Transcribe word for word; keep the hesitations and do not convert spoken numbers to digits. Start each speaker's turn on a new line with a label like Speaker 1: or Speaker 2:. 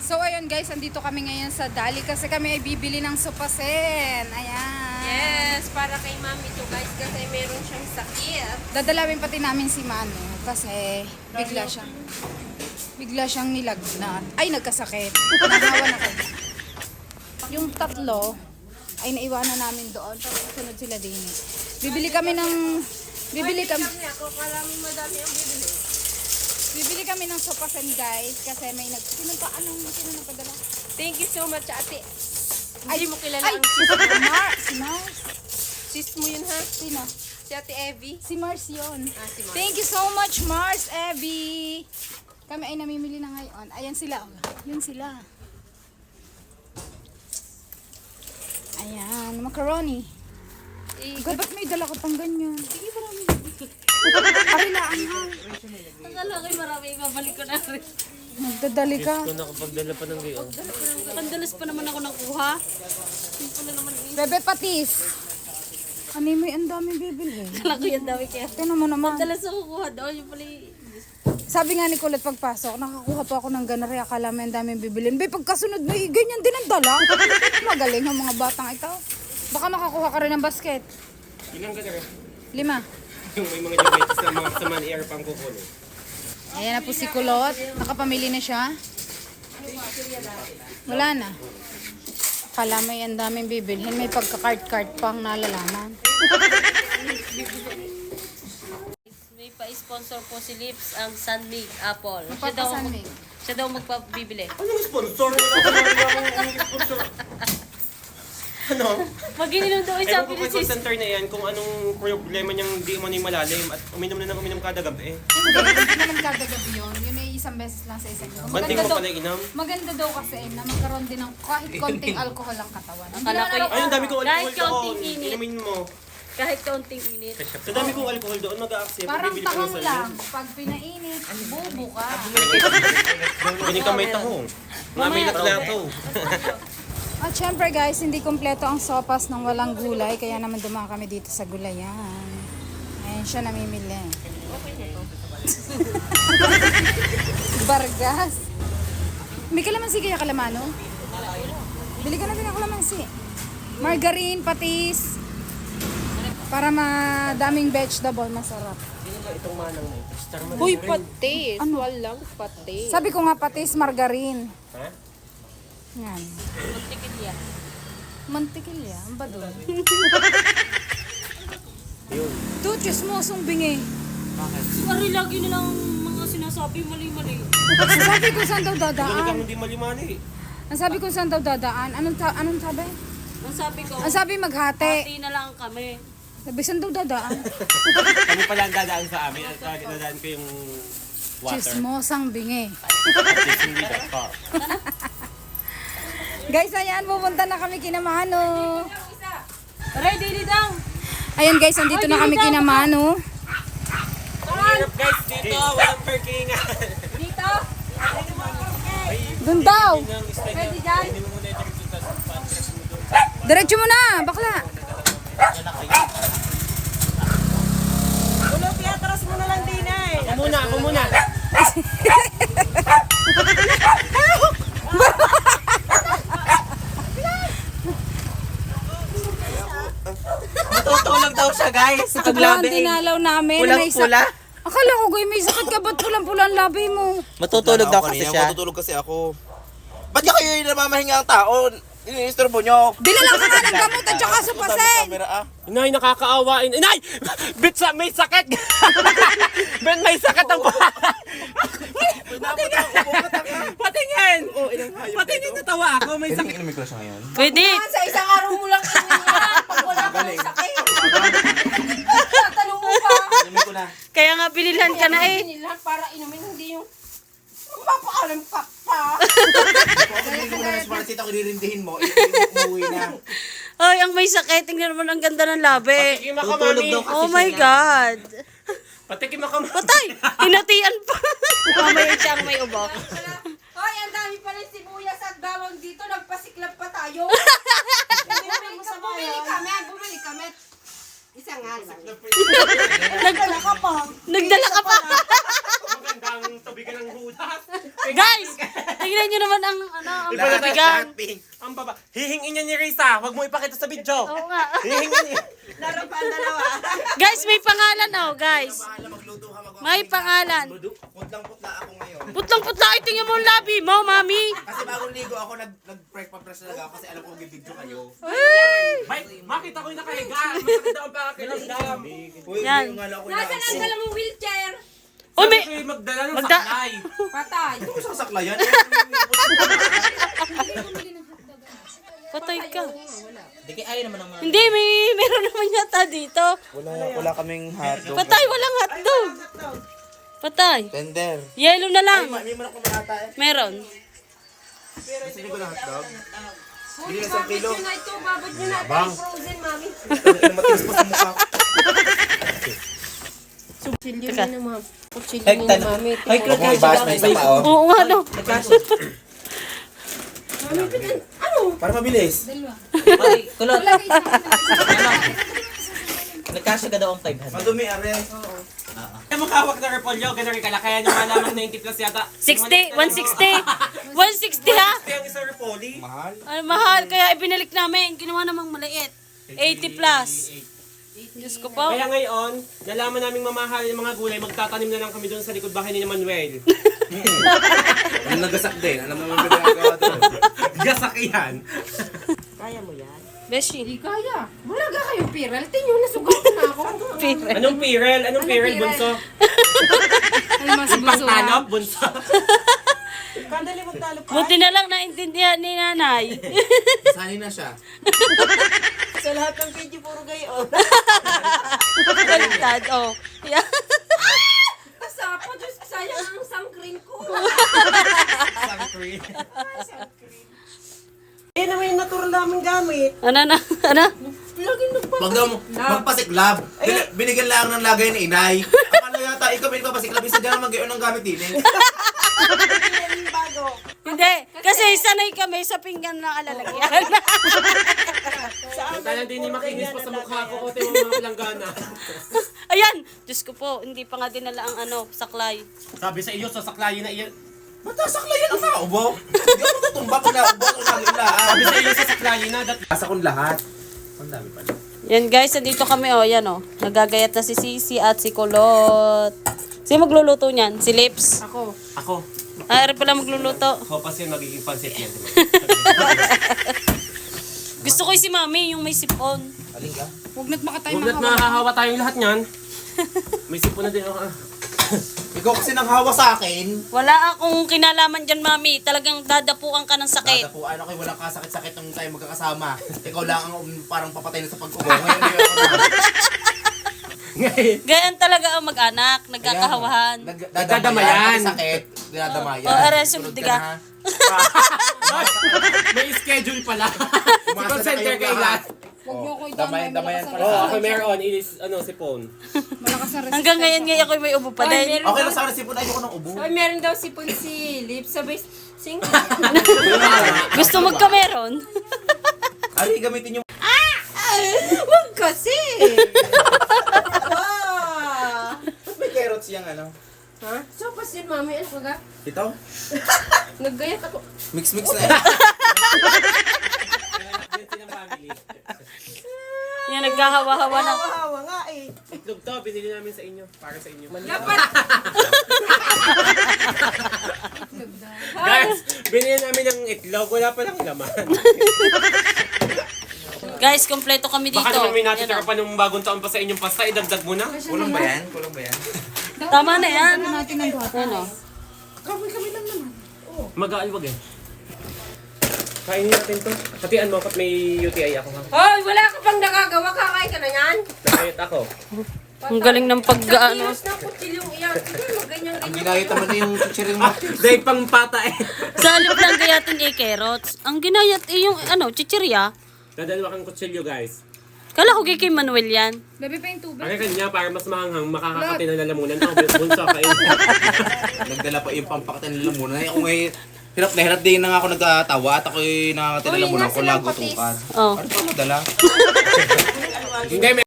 Speaker 1: So ayun guys, andito kami ngayon sa Dali kasi kami ay bibili ng sopasen. Ayan.
Speaker 2: Yes, para kay mami to guys kasi meron siyang sakit.
Speaker 1: Dadalawin pati namin si Manu kasi bigla siyang bigla siyang nilagnat. Ay, nagkasakit. Nahawa na kayo. Yung tatlo ay naiwanan namin doon. Tapos sunod sila din. Bibili kami ng bibili kami
Speaker 2: Ako parang madami ang bibili.
Speaker 1: bibili kami ng sopasen guys kasi may nag sino pa anong sino nagpadala?
Speaker 2: Thank you so much ate.
Speaker 1: Ay,
Speaker 2: Hindi mo kilala
Speaker 1: ay,
Speaker 2: ang
Speaker 1: si
Speaker 2: sis mo.
Speaker 1: Mar, si Mars.
Speaker 2: Sis mo yun ha?
Speaker 1: Sino?
Speaker 2: Si ate Evie.
Speaker 1: Si Mars yun.
Speaker 2: Ah, si Mars.
Speaker 1: Thank you so much, Mars, Abby. Kami ay namimili na ngayon. Ayan sila. oh. Yun sila. Ayan, macaroni.
Speaker 2: Eh,
Speaker 1: God, ba't may dala ko pang ganyan? Sige, marami. Arilaan ha.
Speaker 2: akala ko'y marami mabalik ko na rin.
Speaker 1: Nagdadali ka.
Speaker 3: Kung nakapagdala pa ng gayon.
Speaker 2: Pandalas pa naman ako nakuha. Yung pala naman eh.
Speaker 1: Bebe patis. Ano mo ang daming bibili.
Speaker 2: Akala ko yan dami kaya.
Speaker 1: Tignan mo naman.
Speaker 2: Pandalas ako kuha doon. Yung pala eh.
Speaker 1: Sabi nga ni Colette pagpasok, nakakuha pa ako ng ganari. Akala mo ang daming bibilin. Be, pagkasunod mo, eh, ganyan din ang dala. Magaling ang mga batang ito. Baka makakuha ka rin ng basket.
Speaker 3: Ilang ka na?
Speaker 1: Lima.
Speaker 3: Yung may mga diabetes na mga saman air pang kukulo.
Speaker 1: Ayan na po si Kulot. Nakapamili na siya. Wala na. Akala mo ang daming bibilhin. May pagka-cart-cart pang nalalaman.
Speaker 2: May pa-sponsor po si Lips ang Sunmig Apple. Siya
Speaker 1: Papa
Speaker 2: daw,
Speaker 1: Sunmig.
Speaker 2: siya daw magpabibili.
Speaker 3: Ano yung sponsor? Ano sponsor? Ano?
Speaker 2: Mag-ininom daw
Speaker 3: Eh,
Speaker 2: sabi
Speaker 3: kung
Speaker 2: ni
Speaker 3: call
Speaker 2: sis.
Speaker 3: center na yan, kung anong problema niyang di mo na malalim at uminom na ng uminom kada gabi eh.
Speaker 1: Hindi, hindi naman kada gabi yun. Yun ay isang beses lang sa isang gabi.
Speaker 3: Banting
Speaker 1: Maganda
Speaker 3: mo
Speaker 1: daw,
Speaker 3: pala inom.
Speaker 1: maganda daw kasi na magkaroon din ng kahit konting alcohol ang katawan. Ang
Speaker 2: Akala ko
Speaker 1: ginagawa
Speaker 3: Ay, ang dami kong
Speaker 2: Kahit
Speaker 3: alcohol doon.
Speaker 2: kaunting init.
Speaker 3: Inumin mo.
Speaker 2: Kahit kaunting init.
Speaker 3: Sa dami kong alcohol doon, mag-a-accept.
Speaker 1: parang
Speaker 3: Bibili ko ng
Speaker 1: tahong lang.
Speaker 3: salin.
Speaker 1: Pag pinainit, bubo ka.
Speaker 3: Ganyan ka may tahong. Mamay na plato.
Speaker 1: At syempre guys, hindi kompleto ang sopas ng walang gulay. Kaya naman dumaan kami dito sa gulayan. Ayan siya namimili. Bargas. May kalamansi kaya kalamano? Bili ka na din ng kalamansi. Margarine, patis. Para madaming vegetable, masarap.
Speaker 3: Itong manang mo. Star man.
Speaker 2: Uy, patis.
Speaker 1: Ano?
Speaker 2: Walang patis.
Speaker 1: Sabi ko nga patis, margarine.
Speaker 3: Ha?
Speaker 1: Yan.
Speaker 2: Mantikilya.
Speaker 1: Mantikilya, ang ba doon?
Speaker 3: Yun.
Speaker 1: Ito, chismosong bingi.
Speaker 2: Sorry, lagi nilang mga sinasabi mali-mali.
Speaker 1: Sabi ko saan daw
Speaker 3: Ganun
Speaker 1: dadaan.
Speaker 3: kang hindi malimani.
Speaker 1: Ang sabi ko saan daw dadaan. Anong, ta- anong sabi?
Speaker 2: Ang sabi ko,
Speaker 1: Ang sabi maghati.
Speaker 2: pati na lang kami.
Speaker 1: Sabi saan daw dadaan.
Speaker 3: Kami pala ang dadaan sa amin at uh, dadaan ko yung water.
Speaker 1: Chismosang bingi.
Speaker 3: At hindi that car.
Speaker 1: Guys, ayan, pupunta na kami kina Mano.
Speaker 2: Ready, di daw.
Speaker 1: Ayan guys, andito na kami kina Mano.
Speaker 3: Hirap guys dito, walang parking.
Speaker 2: Dito.
Speaker 1: Doon daw.
Speaker 2: Ready dyan.
Speaker 1: Diretso mo na, bakla.
Speaker 2: Ulo, piatras mo na lang din eh.
Speaker 3: Ako muna, ako muna.
Speaker 4: Matutulog daw siya, guys.
Speaker 1: Ito ba ang dinalaw namin? May sa-
Speaker 4: Pulang-pula.
Speaker 1: Akala ko, guy, may sakit ka. Ba't pulang-pula ang labi mo?
Speaker 4: Matutulog daw kasi siya.
Speaker 5: Matutulog kasi ako. Ba't ka kayo yung namamahinga ang tao? Iniistorbo nyo.
Speaker 1: Dinala ka nga ng gamot at saka supasen.
Speaker 5: Camera ah.
Speaker 3: Inay, nakakaawa. Inay! Bit sa may sakit! Bet may sakit ang Patingin!
Speaker 5: Oh, ilang hayop.
Speaker 3: Patingin, natawa ako. May sakit.
Speaker 5: Inumin ko na siya ngayon.
Speaker 2: Pwede.
Speaker 6: Sa isang araw mo lang inumin yan. Pag wala ka ng sakit. Tatanong mo pa.
Speaker 5: Inumin ko na.
Speaker 2: Kaya nga bililhan ka na eh.
Speaker 6: Inilan para inumin, hindi yung mapakalam ka pa.
Speaker 5: Kung ako hindi mo na responsit ako dirindihin mo, umuwi na.
Speaker 2: Ay, ang may sakit. Tingnan mo ang ganda ng labi.
Speaker 3: Patikim ako,
Speaker 4: Tutulog
Speaker 3: mami.
Speaker 4: daw kasi
Speaker 2: Oh my
Speaker 4: siya na.
Speaker 2: God.
Speaker 3: Patikim ako, mami.
Speaker 2: Patay! Hinatian pa. Mamaya siya ang may ubo.
Speaker 6: Hoy, ang dami pala yung sibuyas at bawang dito. Nagpasiklab pa tayo. Bumili ka, bumili kami. Bumili kami. Isa nga lang.
Speaker 2: Nagdala ka pa. Nagdala ka pa.
Speaker 3: Magandang tubigan ng hudas.
Speaker 2: Guys, tingnan nyo naman. naman ang, ano, ang
Speaker 5: Lahat,
Speaker 2: bibigan.
Speaker 5: lahat pink.
Speaker 3: Ang baba. Hihingin niya ni Risa. Huwag mo ipakita sa video.
Speaker 2: Oo nga.
Speaker 3: Hihingin niya.
Speaker 6: Laro pa ang dalawa.
Speaker 2: Guys, may pangalan oh, guys.
Speaker 5: Bahala magluto ka, mag-
Speaker 2: May pangalan.
Speaker 5: Putlang-putla ako ngayon.
Speaker 2: Putlang-putla, ay tingnan mo ang labi mo, mami.
Speaker 5: Kasi bagong ligo ako, nag, nag-prep pa press talaga ako kasi alam ko bibidyo kayo.
Speaker 3: May, makita ko yung nakahiga. Masakit daw ang pakiramdam.
Speaker 5: Uy,
Speaker 2: Yan.
Speaker 5: yung nga lang ako
Speaker 6: Nasaan ang dala mong wheelchair?
Speaker 2: Oh, may...
Speaker 3: Sabi ko yung magdala ng
Speaker 2: Magda-
Speaker 3: saklay.
Speaker 6: Patay.
Speaker 5: Ito ko sasaklayan.
Speaker 2: Patay ka.
Speaker 4: Di kaya ayaw naman ang mga...
Speaker 2: Hindi, may meron naman yata dito.
Speaker 5: Wala, wala kaming hotdog.
Speaker 2: Patay, walang hotdog. Patay.
Speaker 5: Tender.
Speaker 2: Yellow na lang.
Speaker 5: May manok na malata eh.
Speaker 2: Meron.
Speaker 5: Gusto niyo ko ng hotdog? Bili na isang kilo.
Speaker 6: Yun na ito, babad nyo na ito. Frozen, mami.
Speaker 5: Matigas pa sa mukha.
Speaker 6: Kutsilyo
Speaker 2: Teka.
Speaker 6: na, ma'am. Kutsilyo
Speaker 4: Ay,
Speaker 6: na,
Speaker 4: tan-
Speaker 6: mami.
Speaker 4: Ay,
Speaker 5: Huwag mo ibas na isa pa oh.
Speaker 2: Oo nga, no.
Speaker 6: Mami, pitan. Ano?
Speaker 5: Para mabilis.
Speaker 4: Ay, kulot. Nagkasya ka daw ang five hundred.
Speaker 5: Madumi, are.
Speaker 3: Kaya maghawak na repolyo. Ganun rin kalakayan yung malamang ninety plus yata.
Speaker 2: sixty, one sixty. one sixty ha?
Speaker 3: Kaya ang isang repoli.
Speaker 5: Mahal.
Speaker 2: Ay, mahal. Kaya ibinalik namin. Ginawa namang maliit. eighty plus. Diyos ko po.
Speaker 3: Kaya ngayon, nalaman naming mamahal yung mga gulay, magtatanim na lang kami doon sa likod bahay ni Manuel.
Speaker 5: Ano nagasak din? Alam naman ba ginagawa doon?
Speaker 3: Gasak yan.
Speaker 2: Beshi.
Speaker 6: Hindi kaya. Wala ka kayong piral. Tingyo, nasugat na ako.
Speaker 3: Anong pirel? Anong pirel,
Speaker 6: pirel?
Speaker 3: bunso?
Speaker 1: Ay, mas
Speaker 3: Yung pangtalop, bunso.
Speaker 2: Buti na lang naintindihan ni nanay.
Speaker 5: Sani na siya.
Speaker 6: Sa lahat ng video, puro gayon.
Speaker 2: Baliktad, oh. Yeah.
Speaker 6: Kasapo, Diyos, sayang ang sangkrin ko. Eh, naman yung natural namin gamit.
Speaker 2: Ano na? Ano?
Speaker 6: Laging nagpa...
Speaker 5: Wag daw mo magpasiklab. Bin- binigyan lang ng lagay ni inay. Akala yata ikaw may papasiklab. Isa dyan naman gayon ang gamit din eh.
Speaker 6: bago.
Speaker 2: Hindi. Kasi sanay kami sa pinggan na alalagyan.
Speaker 3: Kaya din ni makinis pa sa mukha ko, kote mo mga palanggana.
Speaker 2: Ayan. Diyos ko po, hindi pa nga dinala ang ano, saklay.
Speaker 3: Sabi sa iyo, sasaklayin na iyan.
Speaker 5: Matasaklayan ang naubo. Hindi ako tutumba pag naubo ako nagilaan.
Speaker 3: Sabi sa iyo, sasaklayin na. Dat-
Speaker 5: Asa kong lahat. Ang dami pala.
Speaker 2: Yan guys, nandito kami oh, yan oh. Nagagayat na si Sisi at si Kulot. Sino magluluto niyan? Si Lips?
Speaker 6: Ako.
Speaker 3: Ako.
Speaker 2: Ah, ari pala magluluto.
Speaker 3: Hopas yun, magiging pansit yan.
Speaker 2: Gusto ko yung si Mami, yung may sipon.
Speaker 5: Aling ka?
Speaker 1: Huwag na't makatay
Speaker 3: Huwag na't
Speaker 1: mga
Speaker 3: mahahawa tayong lahat niyan. May sipon na din ako. ah.
Speaker 5: Ikaw kasi nang hawa sa akin.
Speaker 2: Wala akong kinalaman dyan, Mami. Talagang dadapuan ka ng sakit.
Speaker 5: Dada po, ano kayo, walang kasakit-sakit nung tayo magkakasama. Ikaw lang ang um, parang papatay na sa pag-ubo. Ngayon, hindi ako na.
Speaker 2: Ganyan talaga ang mag-anak, nagkakahawahan.
Speaker 5: Nag-
Speaker 3: Nagdadamayan.
Speaker 5: Dadamayan. Sakit. Dinadamayan.
Speaker 2: Oh, aray,
Speaker 5: Sunod
Speaker 2: sumudi
Speaker 5: ka
Speaker 2: ka.
Speaker 5: na, ha?
Speaker 3: May schedule pala. Si
Speaker 5: Umasa
Speaker 3: call
Speaker 5: na
Speaker 3: center
Speaker 5: kayong
Speaker 3: kay
Speaker 5: lahat.
Speaker 3: Lat.
Speaker 1: Huwag niyo ako
Speaker 5: Oh,
Speaker 1: idamay.
Speaker 5: damayan, damayan
Speaker 1: Malakas
Speaker 5: pala.
Speaker 3: Oo,
Speaker 1: ang
Speaker 3: ako meron. It is, ano, si phone.
Speaker 1: Malakas ang
Speaker 2: Hanggang ngayon ngayon ako may ubo pa
Speaker 6: Ay,
Speaker 2: din.
Speaker 6: meron
Speaker 5: Okay
Speaker 6: daw,
Speaker 5: lang sana sipon. Ayoko ng ubo.
Speaker 6: ay, meron daw si si Lips. Sabay, sing.
Speaker 2: Gusto magkameron?
Speaker 5: Ari, gamitin yung...
Speaker 6: Huwag kasi. Ah.
Speaker 5: Ba't may carrots yung ano?
Speaker 6: Ha? So, pas yun, mami. Ano ka ga?
Speaker 5: Ito?
Speaker 6: Naggayat ako.
Speaker 5: Mix-mix na eh.
Speaker 2: Yan, nagkahawa-hawa na.
Speaker 6: Hawa nga eh.
Speaker 3: Itlog to, binili namin sa inyo. Para sa inyo.
Speaker 6: Dapat.
Speaker 3: Guys, binili namin ng itlog. Wala pa lang laman.
Speaker 2: Guys, kompleto kami dito.
Speaker 3: Baka naman may natitira
Speaker 2: Yan, oh.
Speaker 3: pa nung bagong taon pa sa inyong pasta. Idagdag mo na.
Speaker 5: Kulang ba yan? Kulang ba yan?
Speaker 2: Tama na yan.
Speaker 1: natin ng duha.
Speaker 2: Yan oh.
Speaker 3: Mag-aalwag eh. Kainin natin to. Hatian mo kapag may U T I ako ha.
Speaker 6: Hoy, wala ka pang nagagawa. Kakain ka na yan.
Speaker 3: Nakayot ako.
Speaker 2: Ang galing ng
Speaker 6: Sa
Speaker 2: pag-ano.
Speaker 6: kilos na kutsilyong iyan. Sige, ganyan
Speaker 5: Ang
Speaker 6: ganyan.
Speaker 5: ginayot naman na yung chichiring mo.
Speaker 3: Dahil pang pata eh.
Speaker 2: Sa alip lang gayatin eh, carrots. Ang ginayat eh, yung ano, chichirya.
Speaker 3: Dadalawa kang kutsilyo guys.
Speaker 2: Kala ko kay Manuel yan.
Speaker 1: Bebe pa yung tubig.
Speaker 3: Ang kanya para mas mahanghang makakakati ng lalamunan. Ako, bunso kain.
Speaker 5: Nagdala pa yung pampakatan nila muna. Ako ngayon, hirap na hirap din na nga ako nagkatawa at ako'y nakakatila
Speaker 6: Uy,
Speaker 5: muna
Speaker 6: nga
Speaker 5: ako
Speaker 6: silang
Speaker 5: lago
Speaker 6: patis.
Speaker 5: tukan.
Speaker 2: Oh.
Speaker 5: Ano pa madala?
Speaker 3: Hindi,